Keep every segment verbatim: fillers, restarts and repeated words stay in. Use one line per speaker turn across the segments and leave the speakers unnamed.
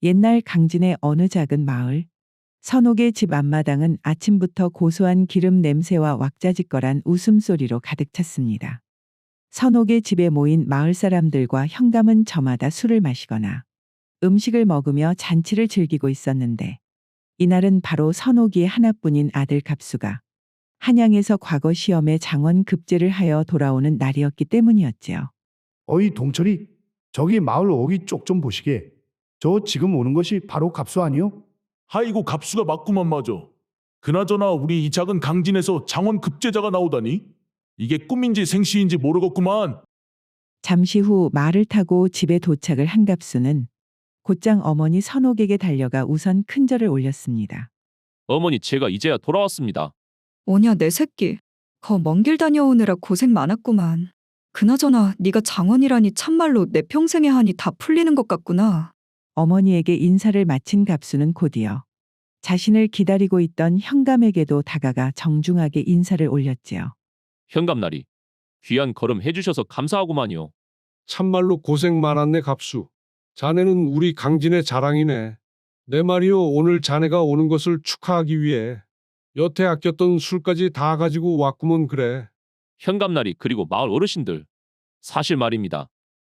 옛날 강진의 어느 작은 마을. 선옥의 집 앞마당은 아침부터 고소한 기름 냄새와 왁자지껄한 웃음소리로 가득 찼습니다. 선옥의 집에 모인 마을 사람들과 현감은 저마다 술을 마시거나 음식을 먹으며 잔치를 즐기고 있었는데, 이날은 바로 선옥이의 하나뿐인 아들 갑수가 한양에서 과거 시험에 장원 급제를 하여 돌아오는 날이었기 때문이었지요.
어이 동철이, 저기 마을 오기 쪽 좀 보시게. 저 지금 오는 것이 바로 갑수 아니요?
아이고 갑수가 맞구만 맞아. 그나저나 우리 이 작은 강진에서 장원 급제자가 나오다니? 이게 꿈인지 생시인지 모르겠구만.
잠시 후 말을 타고 집에 도착을 한 갑수는 곧장 어머니 선옥에게 달려가 우선 큰절을 올렸습니다.
어머니, 제가 이제야 돌아왔습니다.
오냐 내 새끼. 거 먼 길 다녀오느라 고생 많았구만. 그나저나 네가 장원이라니 참말로 내 평생의 한이 다 풀리는 것 같구나.
어머니에게 인사를 마친 갑수는 곧이어 자신을 기다리고 있던 현감에게도 다가가 정중하게 인사를 올렸지요.
현감나리, 귀한 걸음 해주셔서 감사하구만요.
참말로 고생 많았네 갑수. 자네는 우리 강진의 자랑이네. 내 말이요, 오늘 자네가 오는 것을 축하하기 위해 여태 아꼈던 술까지 다 가지고 왔구먼 그래.
현감나리, 그리고 마을 어르신들, 사실 말입니다.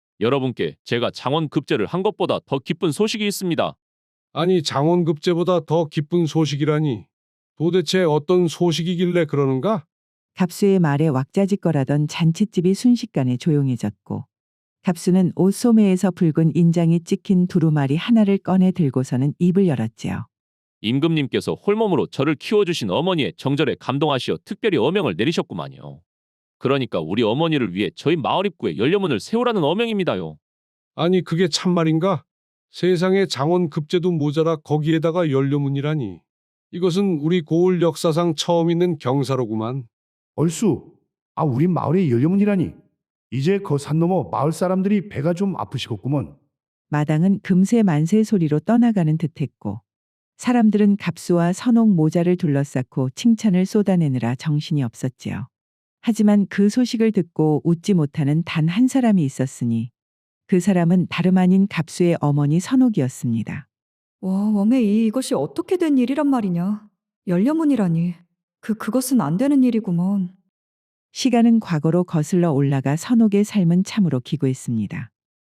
여러분께 제가 장원 급제를 한 것보다 더 기쁜 소식이 있습니다.
아니 장원급제보다 더 기쁜 소식이라니. 도대체 어떤 소식이길래 그러는가?
갑수의 말에 왁자지껄하던 잔칫집이 순식간에 조용해졌고, 갑수는 옷소매에서 붉은 인장이 찍힌 두루마리 하나를 꺼내 들고서는 입을 열었지요.
임금님께서 홀몸으로 저를 키워주신 어머니의 정절에 감동하시어 특별히 어명을 내리셨구만요. 그러니까 우리 어머니를 위해 저희 마을 입구에 연료문을 세우라는 어명입니다요.
아니 그게 참말인가? 세상에 장원급제도 모자라 거기에다가 연료문이라니. 이것은 우리 고을 역사상 처음 있는 경사로구만.
얼쑤, 아 우리 마을의 연료문이라니. 이제 그 산 넘어 마을 사람들이 배가 좀 아프시겠구먼.
마당은 금세 만세 소리로 떠나가는 듯했고, 사람들은 갑수와 선옥 모자를 둘러싸고 칭찬을 쏟아내느라 정신이 없었지요. 하지만 그 소식을 듣고 웃지 못하는 단 한 사람이 있었으니, 그 사람은 다름 아닌 갑수의 어머니 선옥이었습니다.
와 웜에 이 이것이 어떻게 된 일이란 말이냐. 연료문이라니. 그 그것은 안 되는 일이구먼.
시간은 과거로 거슬러 올라가 선옥의 삶은 참으로 기구했습니다.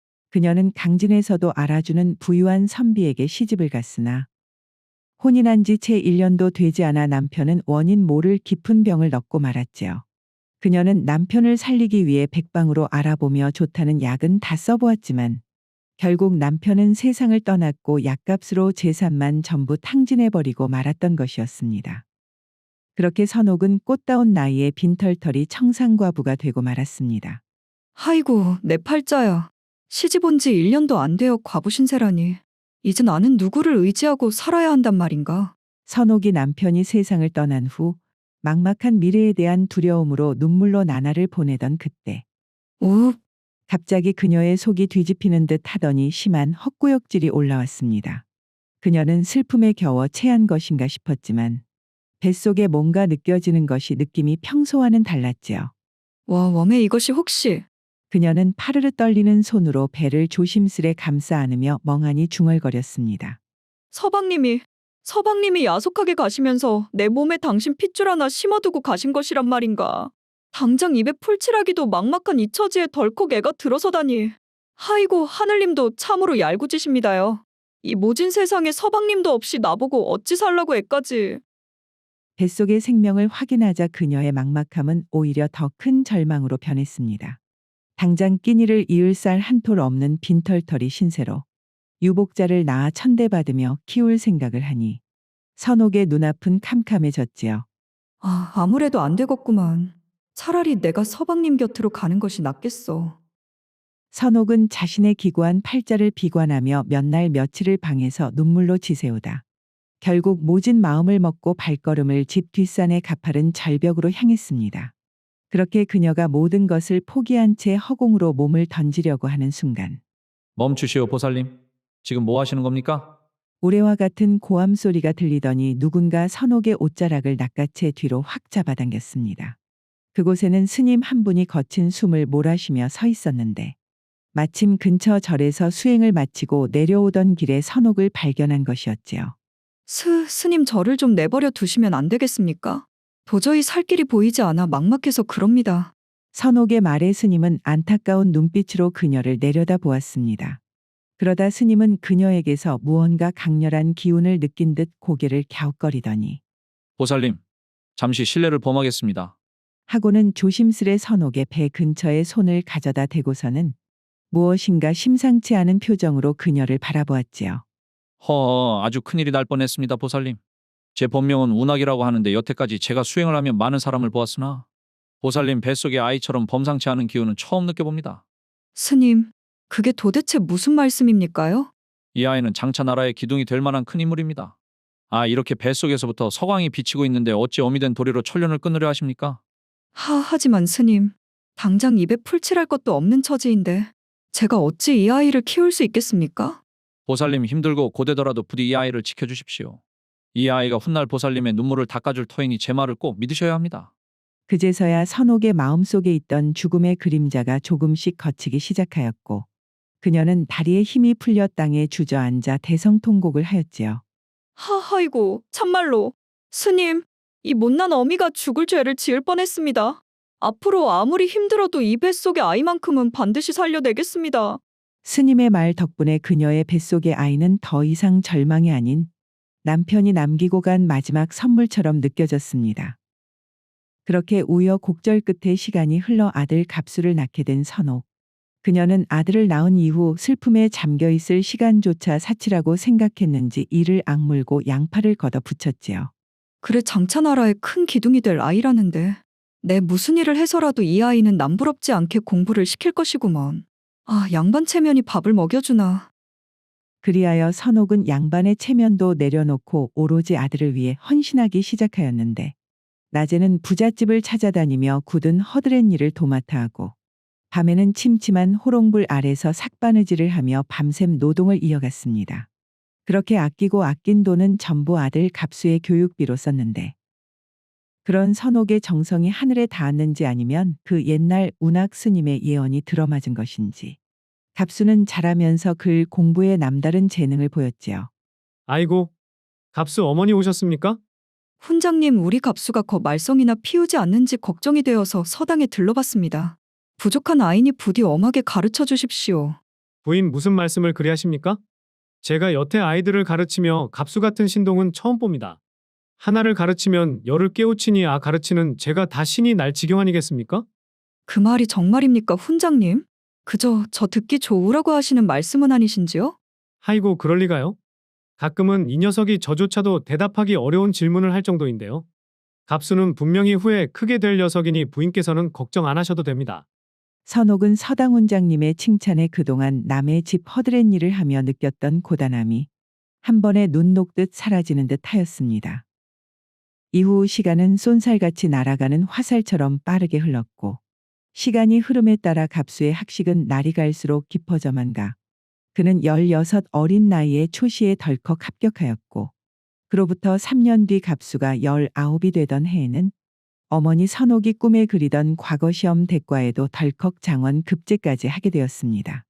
그녀는 강진에서도 알아주는 부유한 선비에게 시집을 갔으나, 혼인한 지 채 일 년도 되지 않아 남편은 원인 모를 깊은 병을 넣고 말았지요. 그녀는 남편을 살리기 위해 백방으로 알아보며 좋다는 약은 다 써보았지만, 결국 남편은 세상을 떠났고 약값으로 재산만 전부 탕진해버리고 말았던 것이었습니다. 그렇게 선옥은 꽃다운 나이에 빈털털이 청산과부가 되고 말았습니다.
아이고 내 팔자야. 시집 온 지 일 년도 안 되어 과부 신세라니. 이제 나는 누구를 의지하고 살아야 한단 말인가.
선옥이 남편이 세상을 떠난 후 막막한 미래에 대한 두려움으로 눈물로 나날을 보내던 그때,
오,
갑자기 그녀의 속이 뒤집히는 듯 하더니 심한 헛구역질이 올라왔습니다. 그녀는 슬픔에 겨워 체한 것인가 싶었지만, 뱃속에 뭔가 느껴지는 것이 느낌이 평소와는 달랐지요.
와 웜에 이것이 혹시.
그녀는 파르르 떨리는 손으로 배를 조심스레 감싸 안으며 멍하니 중얼거렸습니다.
서방님이 서방님이 야속하게 가시면서 내 몸에 당신 핏줄 하나 심어두고 가신 것이란 말인가. 당장 입에 풀칠하기도 막막한 이 처지에 덜컥 애가 들어서다니. 아이고 하늘님도 참으로 얄궂으십니다요. 이 모진 세상에 서방님도 없이 나보고 어찌 살라고 애까지.
뱃속의 생명을 확인하자 그녀의 막막함은 오히려 더 큰 절망으로 변했습니다. 당장 끼니를 이을 쌀 한 톨 없는 빈털터리 신세로 유복자를 낳아 천대받으며 키울 생각을 하니 선옥의 눈앞은 캄캄해졌지요.
아 아무래도 안 되겠구만. 차라리 내가 서방님 곁으로 가는 것이 낫겠어.
선옥은 자신의 기구한 팔자를 비관하며 몇 날 며칠을 방에서 눈물로 지새우다 결국 모진 마음을 먹고 발걸음을 집 뒷산의 가파른 절벽으로 향했습니다. 그렇게 그녀가 모든 것을 포기한 채 허공으로 몸을 던지려고 하는 순간,
멈추시오 보살님. 지금 뭐 하시는 겁니까?
우레와 같은 고함 소리가 들리더니 누군가 선옥의 옷자락을 낚아채 뒤로 확 잡아당겼습니다. 그곳에는 스님 한 분이 거친 숨을 몰아쉬며 서 있었는데, 마침 근처 절에서 수행을 마치고 내려오던 길에 선옥을 발견한 것이었지요.
스, 스님 저를 좀 내버려 두시면 안 되겠습니까? 도저히 살 길이 보이지 않아 막막해서 그럽니다.
선옥의 말에 스님은 안타까운 눈빛으로 그녀를 내려다 보았습니다. 그러다 스님은 그녀에게서 무언가 강렬한 기운을 느낀 듯 고개를 갸웃거리더니
보살님, 잠시 실례를 범하겠습니다.
하고는 조심스레 선옥의 배 근처에 손을 가져다 대고서는 무엇인가 심상치 않은 표정으로 그녀를 바라보았지요.
허, 아주 큰일이 날 뻔했습니다, 보살님. 제 본명은 운학이라고 하는데 여태까지 제가 수행을 하며 많은 사람을 보았으나 보살님 뱃속의 아이처럼 범상치 않은 기운은 처음 느껴봅니다.
스님, 그게 도대체 무슨 말씀입니까요?
이 아이는 장차 나라의 기둥이 될 만한 큰 인물입니다. 아, 이렇게 뱃속에서부터 서광이 비치고 있는데 어찌 어미 된 도리로 천련을 끊으려 하십니까?
하, 하지만 스님, 당장 입에 풀칠할 것도 없는 처지인데 제가 어찌 이 아이를 키울 수 있겠습니까?
보살님 힘들고 고되더라도 부디 이 아이를 지켜주십시오. 이 아이가 훗날 보살님의 눈물을 닦아줄 터이니 제 말을 꼭 믿으셔야 합니다.
그제서야 선옥의 마음속에 있던 죽음의 그림자가 조금씩 걷히기 시작하였고 그녀는 다리에 힘이 풀려 땅에 주저앉아 대성통곡을 하였지요.
하하이고, 참말로. 스님, 이 못난 어미가 죽을 죄를 지을 뻔했습니다. 앞으로 아무리 힘들어도 이 뱃속의 아이만큼은 반드시 살려내겠습니다.
스님의 말 덕분에 그녀의 뱃속의 아이는 더 이상 절망이 아닌 남편이 남기고 간 마지막 선물처럼 느껴졌습니다. 그렇게 우여곡절 끝에 시간이 흘러 아들 갑수를 낳게 된 선옥. 그녀는 아들을 낳은 이후 슬픔에 잠겨있을 시간조차 사치라고 생각했는지 이를 악물고 양팔을 걷어 붙였지요.
그래 장차 나라의 큰 기둥이 될 아이라는데 내 무슨 일을 해서라도 이 아이는 남부럽지 않게 공부를 시킬 것이구먼. 아, 양반 체면이 밥을 먹여주나.
그리하여 선옥은 양반의 체면도 내려놓고 오로지 아들을 위해 헌신하기 시작하였는데 낮에는 부잣집을 찾아다니며 굳은 허드렛 일을 도맡아 하고 밤에는 침침한 호롱불 아래서 삭바느질을 하며 밤샘 노동을 이어갔습니다. 그렇게 아끼고 아낀 돈은 전부 아들 갑수의 교육비로 썼는데 그런 선옥의 정성이 하늘에 닿았는지 아니면 그 옛날 운학 스님의 예언이 들어맞은 것인지 갑수는 자라면서 글 공부에 남다른 재능을 보였지요.
아이고, 갑수 어머니 오셨습니까?
훈장님, 우리 갑수가 거 말썽이나 피우지 않는지 걱정이 되어서 서당에 들러봤습니다. 부족한 아이니 부디 엄하게 가르쳐 주십시오.
부인 무슨 말씀을 그리 하십니까? 제가 여태 아이들을 가르치며 갑수 같은 신동은 처음 봅니다. 하나를 가르치면 열을 깨우치니 아 가르치는 제가 다 신이 날 지경 아니겠습니까?
그 말이 정말입니까, 훈장님? 그저 저 듣기 좋으라고 하시는 말씀은 아니신지요?
아이고 그럴 리가요? 가끔은 이 녀석이 저조차도 대답하기 어려운 질문을 할 정도인데요. 갑수는 분명히 후에 크게 될 녀석이니 부인께서는 걱정 안 하셔도 됩니다.
선옥은 서당 훈장님의 칭찬에 그동안 남의 집 허드렛 일을 하며 느꼈던 고단함이 한 번에 눈 녹듯 사라지는 듯 하였습니다. 이후 시간은 쏜살같이 날아가는 화살처럼 빠르게 흘렀고 시간이 흐름에 따라 갑수의 학식은 날이 갈수록 깊어져만 가 그는 열여섯 어린 나이에 초시에 덜컥 합격하였고 그로부터 삼 년 뒤 갑수가 열아홉이 되던 해에는 어머니 선옥이 꿈에 그리던 과거 시험 대과에도 덜컥 장원 급제까지 하게 되었습니다.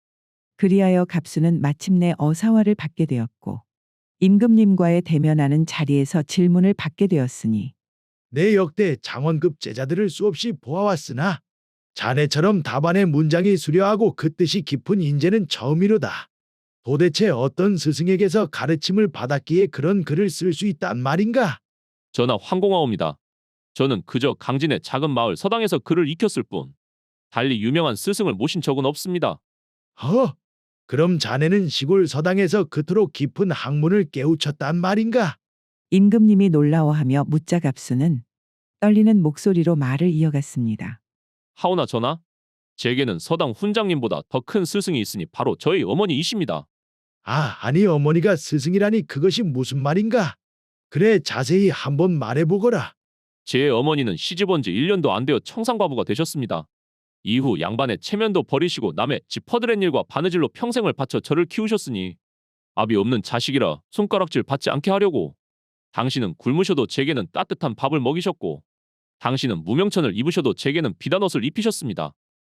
그리하여 갑수는 마침내 어사화를 받게 되었고 임금님과의 대면하는 자리에서 질문을 받게 되었으니
내 역대 장원급 제자들을 수없이 보아왔으나 자네처럼 답안의 문장이 수려하고 그 뜻이 깊은 인재는 처음이로다. 도대체 어떤 스승에게서 가르침을 받았기에 그런 글을 쓸 수 있단 말인가?
전하 황공하옵니다. 저는 그저 강진의 작은 마을 서당에서 글을 익혔을 뿐 달리 유명한 스승을 모신 적은 없습니다.
허, 그럼 자네는 시골 서당에서 그토록 깊은 학문을 깨우쳤단 말인가?
임금님이 놀라워하며 묻자 갑수는 떨리는 목소리로 말을 이어갔습니다.
하오나 전하, 제게는 서당 훈장님보다 더 큰 스승이 있으니 바로 저희 어머니이십니다.
아, 아니 어머니가 스승이라니 그것이 무슨 말인가? 그래 자세히 한번 말해보거라.
제 어머니는 시집온 지 일 년도 안 되어 청산과부가 되셨습니다. 이후 양반의 체면도 버리시고 남의 집 퍼드렛 일과 바느질로 평생을 바쳐 저를 키우셨으니 압이 없는 자식이라 손가락질 받지 않게 하려고 당신은 굶으셔도 제게는 따뜻한 밥을 먹이셨고 당신은 무명천을 입으셔도 제게는 비단 옷을 입히셨습니다.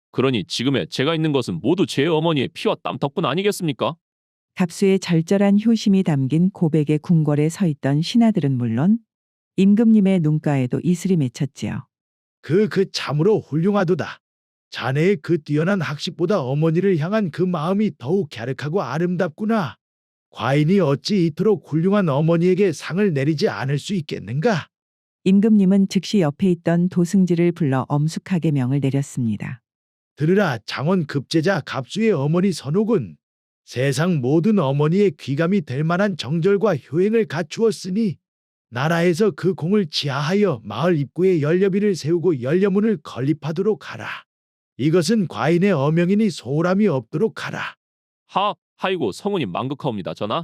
그러니 지금의 제가 있는 것은 모두 제 어머니의 피와 땀 덕분 아니겠습니까?
갑수의 절절한 효심이 담긴 고백의 궁궐에 서 있던 신하들은 물론 임금님의 눈가에도 이슬이 맺혔지요.
그 그 참으로 훌륭하도다. 자네의 그 뛰어난 학식보다 어머니를 향한 그 마음이 더욱 갸륵하고 아름답구나. 과인이 어찌 이토록 훌륭한 어머니에게 상을 내리지 않을 수 있겠는가?
임금님은 즉시 옆에 있던 도승지를 불러 엄숙하게 명을 내렸습니다.
들으라, 장원 급제자 갑수의 어머니 선옥은 세상 모든 어머니의 귀감이 될 만한 정절과 효행을 갖추었으니 나라에서 그 공을 지하하여 마을 입구에 연료비를 세우고 연료문을 건립하도록 하라. 이것은 과인의 어명이니 소홀함이 없도록 하라.
하, 하이고 성운이 망극하옵니다, 전하.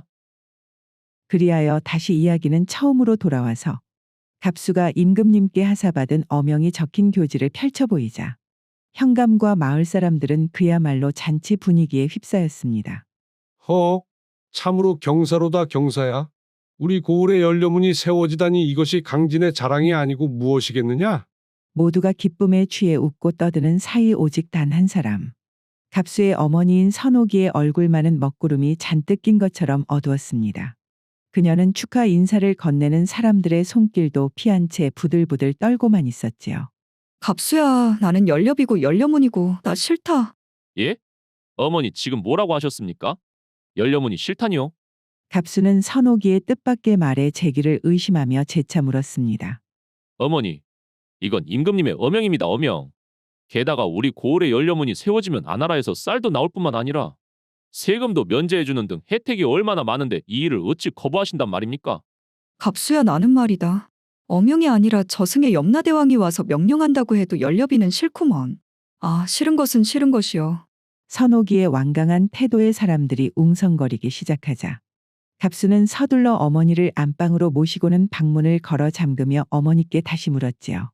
그리하여 다시 이야기는 처음으로 돌아와서 갑수가 임금님께 하사받은 어명이 적힌 교지를 펼쳐 보이자 현감과 마을 사람들은 그야말로 잔치 분위기에 휩싸였습니다.
허, 참으로 경사로다 경사야. 우리 고을의 연료문이 세워지다니 이것이 강진의 자랑이 아니고 무엇이겠느냐?
모두가 기쁨에 취해 웃고 떠드는 사이 오직 단 한 사람. 갑수의 어머니인 선옥이의 얼굴만은 먹구름이 잔뜩 낀 것처럼 어두웠습니다. 그녀는 축하 인사를 건네는 사람들의 손길도 피한 채 부들부들 떨고만 있었지요.
갑수야, 나는 연료비고 연료문이고 나 싫다.
예? 어머니 지금 뭐라고 하셨습니까? 연료문이 싫다니요?
갑수는 선옥이의 뜻밖의 말에 제기를 의심하며 재차 물었습니다.
어머니, 이건 임금님의 어명입니다, 어명. 게다가 우리 고을의 연료문이 세워지면 아나라에서 쌀도 나올 뿐만 아니라 세금도 면제해주는 등 혜택이 얼마나 많은데 이 일을 어찌 거부하신단 말입니까?
갑수야, 나는 말이다. 어명이 아니라 저승의 염라대왕이 와서 명령한다고 해도 연료비는 싫구먼. 아, 싫은 것은 싫은 것이요.
선옥이의 완강한 태도에 사람들이 웅성거리기 시작하자 갑수는 서둘러 어머니를 안방으로 모시고는 방문을 걸어 잠그며 어머니께 다시 물었지요.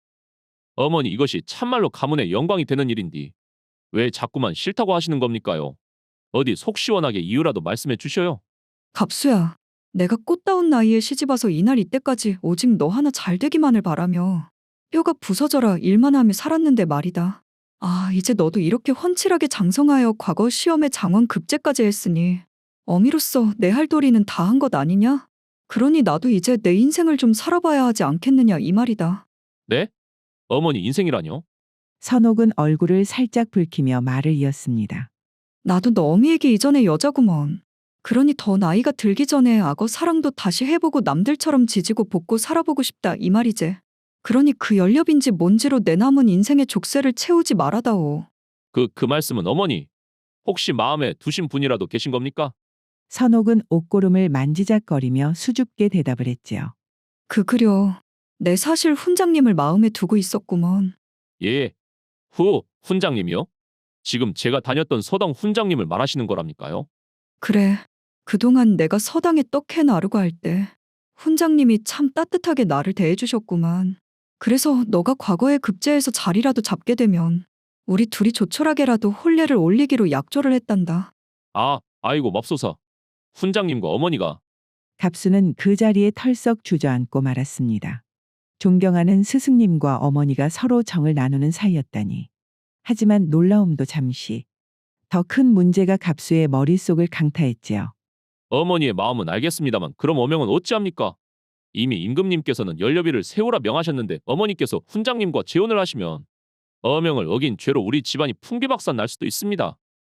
어머니, 이것이 참말로 가문의 영광이 되는 일인디 왜 자꾸만 싫다고 하시는 겁니까요? 어디 속 시원하게 이유라도 말씀해 주셔요.
갑수야, 내가 꽃다운 나이에 시집와서 이날 이때까지 오직 너 하나 잘 되기만을 바라며 뼈가 부서져라 일만 하며 살았는데 말이다. 아, 이제 너도 이렇게 훤칠하게 장성하여 과거 시험에 장원 급제까지 했으니 어미로서 내 할 도리는 다 한 것 아니냐? 그러니 나도 이제 내 인생을 좀 살아봐야 하지 않겠느냐 이 말이다.
네? 어머니 인생이라뇨?
선옥은 얼굴을 살짝 붉히며 말을 이었습니다.
나도 너 어미에게 이전에 여자구먼. 그러니 더 나이가 들기 전에 악어 사랑도 다시 해보고 남들처럼 지지고 볶고 살아보고 싶다 이 말이지. 그러니 그 연렵인지 뭔지로 내 남은 인생의 족쇄를 채우지 말아다오.
그, 그 말씀은 어머니, 혹시 마음에 두신 분이라도 계신 겁니까?
선옥은 옷고름을 만지작거리며 수줍게 대답을 했지요.
그 그려. 내 사실 훈장님을 마음에 두고 있었구먼.
예. 후, 훈장님이요? 지금 제가 다녔던 서당 훈장님을 말하시는 거랍니까요?
그래. 그동안 내가 서당에 떡해 나르고 할 때 훈장님이 참 따뜻하게 나를 대해주셨구만. 그래서 너가 과거에 급제해서 자리라도 잡게 되면 우리 둘이 조촐하게라도 혼례를 올리기로 약조를 했단다.
아, 아이고 맙소사. 훈장님과 어머니가.
갑수는 그 자리에 털썩 주저앉고 말았습니다. 존경하는 스승님과 어머니가 서로 정을 나누는 사이였다니. 하지만 놀라움도 잠시. 더 큰 문제가 갑수의 머릿속을 강타했지요.
어머니의 마음은 알겠습니다만 그럼 어명은 어찌합니까? 이미 임금님께서는 연료비를 세우라 명하셨는데 어머니께서 훈장님과 재혼을 하시면 어명을 어긴 죄로 우리 집안이 풍비박산 날 수도 있습니다.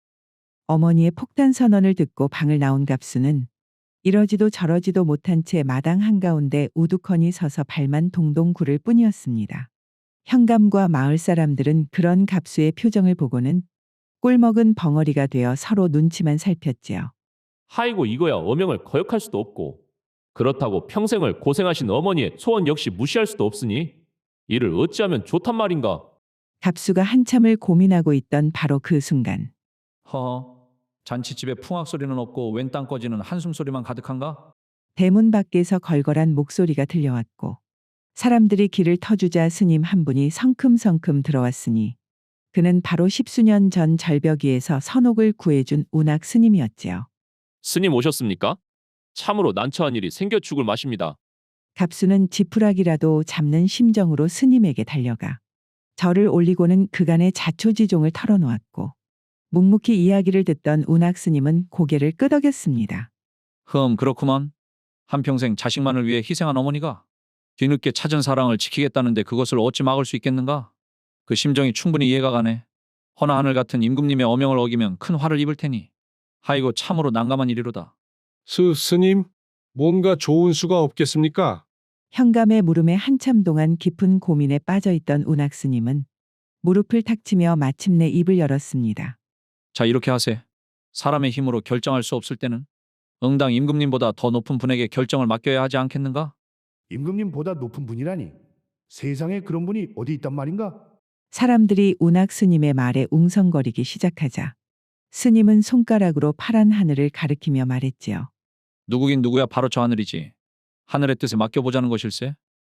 어머니의 폭탄 선언을 듣고 방을 나온 갑수는 이러지도 저러지도 못한 채 마당 한가운데 우두커니 서서 발만 동동 구를 뿐이었습니다. 현감과 마을 사람들은 그런 갑수의 표정을 보고는 꿀먹은 벙어리가 되어 서로 눈치만 살폈지요.
하이고 이거야 어명을 거역할 수도 없고 그렇다고 평생을 고생하신 어머니의 소원 역시 무시할 수도 없으니 이를 어찌하면 좋단 말인가.
갑수가 한참을 고민하고 있던 바로 그 순간
허, 잔치집에 풍악 소리는 없고 웬 땅 꺼지는 한숨 소리만 가득한가?
대문 밖에서 걸걸한 목소리가 들려왔고 사람들이 길을 터주자 스님 한 분이 성큼성큼 들어왔으니 그는 바로 십수년 전 절벽 위에서 선옥을 구해준 운악 스님이었지요.
스님 오셨습니까? 참으로 난처한 일이 생겨 죽을 맛입니다.
갑수는 지푸라기라도 잡는 심정으로 스님에게 달려가 절을 올리고는 그간의 자초지종을 털어놓았고 묵묵히 이야기를 듣던 운학 스님은 고개를 끄덕였습니다.
흠, 그렇구만. 한평생 자식만을 위해 희생한 어머니가 뒤늦게 찾은 사랑을 지키겠다는데 그것을 어찌 막을 수 있겠는가? 그 심정이 충분히 이해가 가네. 허나 하늘 같은 임금님의 어명을 어기면 큰 화를 입을 테니 하이고 참으로 난감한 일이로다.
스, 스님, 뭔가 좋은 수가 없겠습니까?
현감의 물음에 한참 동안 깊은 고민에 빠져있던 운학 스님은 무릎을 탁 치며 마침내 입을 열었습니다.
자, 이렇게 하세. 사람의 힘으로 결정할 수 없을 때는 응당 임금님보다 더 높은 분에게 결정을 맡겨야 하지 않겠는가?
임금님보다 높은 분이라니. 세상에 그런 분이 어디 있단 말인가?
사람들이 운학 스님의 말에 웅성거리기 시작하자 스님은 손가락으로 파란 하늘을 가리키며 말했지요.
누구긴 누구야, 바로 저 하늘이지. 하늘의 뜻에 맡겨보자는 것일세.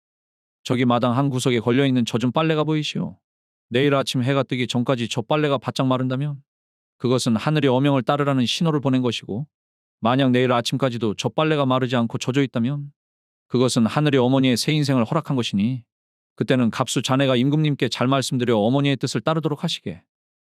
저기 마당 한 구석에 걸려있는 젖은 빨래가 보이시오. 내일 아침 해가 뜨기 전까지 저 빨래가 바짝 마른다면 그것은 하늘의 어명을 따르라는 신호를 보낸 것이고, 만약 내일 아침까지도 저 빨래가 마르지 않고 젖어 있다면 그것은 하늘의 어머니의 새 인생을 허락한 것이니 그때는 갑수 자네가 임금님께 잘 말씀드려 어머니의 뜻을 따르도록 하시게.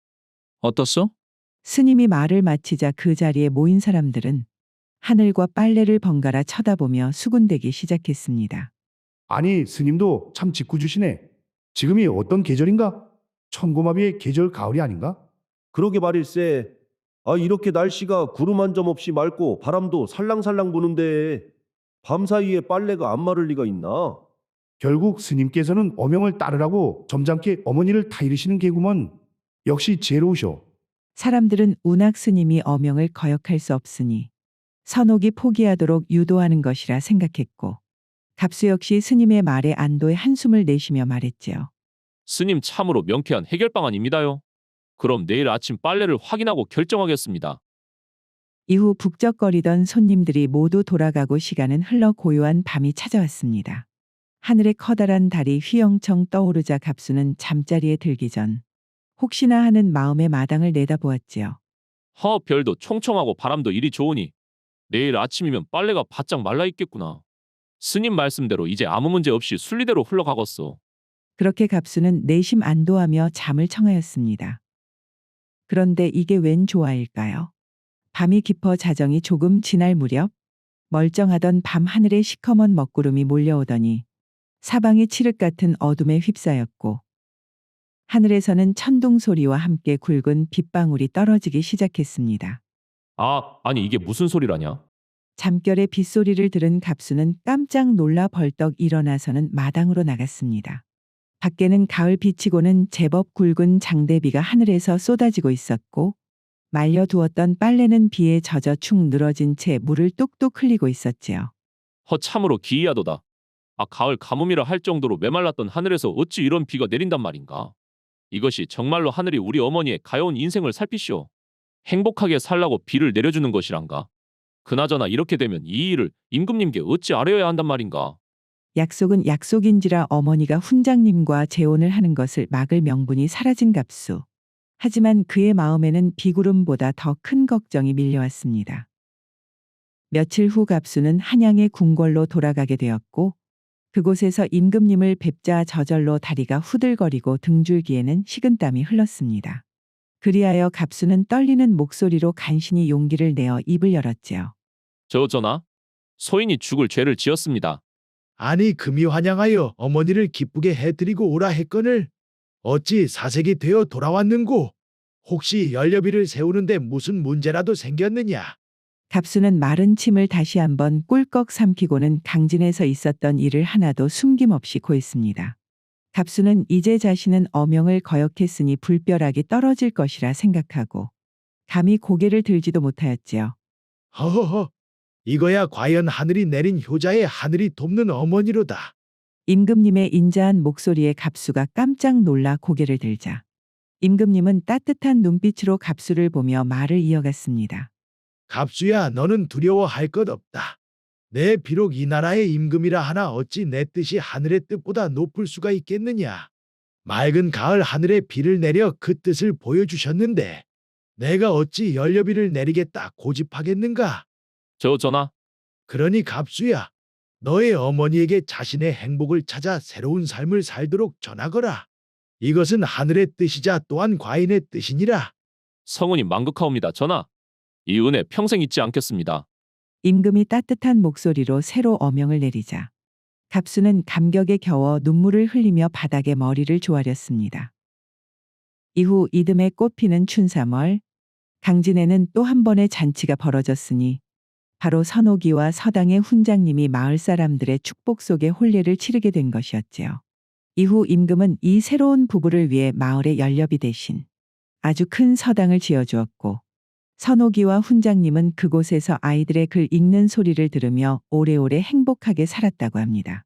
어떻소?
스님이 말을 마치자 그 자리에 모인 사람들은 하늘과 빨래를 번갈아 쳐다보며 수군대기 시작했습니다.
아니 스님도 참 짓궂으시네. 지금이 어떤 계절인가? 천고마비의 계절 가을이 아닌가?
그러게 말일세. 아, 이렇게 날씨가 구름 한 점 없이 맑고 바람도 살랑살랑 부는데 밤사이에 빨래가 안 마를 리가 있나?
결국 스님께서는 어명을 따르라고 점잖게 어머니를 타이르시는 게구먼. 역시 지혜로우셔.
사람들은 운학 스님이 어명을 거역할 수 없으니 선옥이 포기하도록 유도하는 것이라 생각했고, 갑수 역시 스님의 말에 안도의 한숨을 내쉬며 말했지요.
스님 참으로 명쾌한 해결 방안입니다요. 그럼 내일 아침 빨래를 확인하고 결정하겠습니다.
이후 북적거리던 손님들이 모두 돌아가고 시간은 흘러 고요한 밤이 찾아왔습니다. 하늘에 커다란 달이 휘영청 떠오르자 갑수는 잠자리에 들기 전 혹시나 하는 마음에 마당을 내다보았지요.
허, 별도 총총하고 바람도 이리 좋으니 내일 아침이면 빨래가 바짝 말라 있겠구나. 스님 말씀대로 이제 아무 문제 없이 순리대로 흘러가겠소.
그렇게 갑수는 내심 안도하며 잠을 청하였습니다. 그런데 이게 웬 조화일까요? 밤이 깊어 자정이 조금 지날 무렵 멀쩡하던 밤 하늘에 시커먼 먹구름이 몰려오더니 사방이 칠흑 같은 어둠에 휩싸였고, 하늘에서는 천둥 소리와 함께 굵은 빗방울이 떨어지기 시작했습니다.
아, 아니 이게 무슨 소리라냐?
잠결에 빗소리를 들은 갑수는 깜짝 놀라 벌떡 일어나서는 마당으로 나갔습니다. 밖에는 가을 비치고는 제법 굵은 장대비가 하늘에서 쏟아지고 있었고, 말려두었던 빨래는 비에 젖어 축 늘어진 채 물을 뚝뚝 흘리고 있었지요.
허, 참으로 기이하도다. 아, 가을 가뭄이라 할 정도로 메말랐던 하늘에서 어찌 이런 비가 내린단 말인가? 이것이 정말로 하늘이 우리 어머니의 가여운 인생을 살피시오. 행복하게 살라고 비를 내려주는 것이란가? 그나저나 이렇게 되면 이 일을 임금님께 어찌 아뢰어야 한단 말인가?
약속은 약속인지라 어머니가 훈장님과 재혼을 하는 것을 막을 명분이 사라진 갑수. 하지만 그의 마음에는 비구름보다 더 큰 걱정이 밀려왔습니다. 며칠 후 갑수는 한양의 궁궐로 돌아가게 되었고, 그곳에서 임금님을 뵙자 저절로 다리가 후들거리고 등줄기에는 식은땀이 흘렀습니다. 그리하여 갑수는 떨리는 목소리로 간신히 용기를 내어 입을 열었지요.
저 전하, 소인이 죽을 죄를 지었습니다.
아니 금이 환영하여 어머니를 기쁘게 해드리고 오라 했거늘 어찌 사색이 되어 돌아왔는고? 혹시 연료비를 세우는데 무슨 문제라도 생겼느냐?
갑수는 마른 침을 다시 한번 꿀꺽 삼키고는 강진에서 있었던 일을 하나도 숨김없이 고했습니다. 갑수는 이제 자신은 어명을 거역했으니 불벼락이 떨어질 것이라 생각하고 감히 고개를 들지도 못하였지요.
허허허, 이거야 과연 하늘이 내린 효자의 하늘이 돕는 어머니로다.
임금님의 인자한 목소리에 갑수가 깜짝 놀라 고개를 들자 임금님은 따뜻한 눈빛으로 갑수를 보며 말을 이어갔습니다.
갑수야, 너는 두려워할 것 없다. 내 비록 이 나라의 임금이라 하나 어찌 내 뜻이 하늘의 뜻보다 높을 수가 있겠느냐. 맑은 가을 하늘에 비를 내려 그 뜻을 보여주셨는데 내가 어찌 연료비를 내리겠다 고집하겠는가?
저 전하,
그러니 갑수야, 너의 어머니에게 자신의 행복을 찾아 새로운 삶을 살도록 전하거라. 이것은 하늘의 뜻이자 또한 과인의 뜻이니라.
성운이 만극하옵니다. 전하. 이 은혜 평생 잊지 않겠습니다.
임금이 따뜻한 목소리로 새로 어명을 내리자 갑수는 감격에 겨워 눈물을 흘리며 바닥에 머리를 조아렸습니다. 이후 이듬해 꽃피는 춘삼월, 강진에는 또 한 번의 잔치가 벌어졌으니 바로 선옥이와 서당의 훈장님이 마을 사람들의 축복 속에 혼례를 치르게 된 것이었지요. 이후 임금은 이 새로운 부부를 위해 마을의 연료비 대신 아주 큰 서당을 지어주었고 선옥이와 훈장님은 그곳에서 아이들의 글 읽는 소리를 들으며 오래오래 행복하게 살았다고 합니다.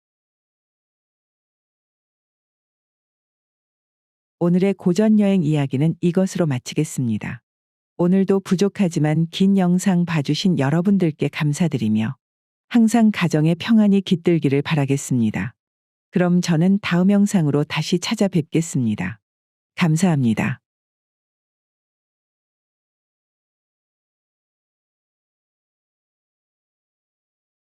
오늘의 고전여행 이야기는 이것으로 마치겠습니다. 오늘도 부족하지만 긴 영상 봐주신 여러분들께 감사드리며 항상 가정의 평안이 깃들기를 바라겠습니다. 그럼 저는 다음 영상으로 다시 찾아뵙겠습니다. 감사합니다.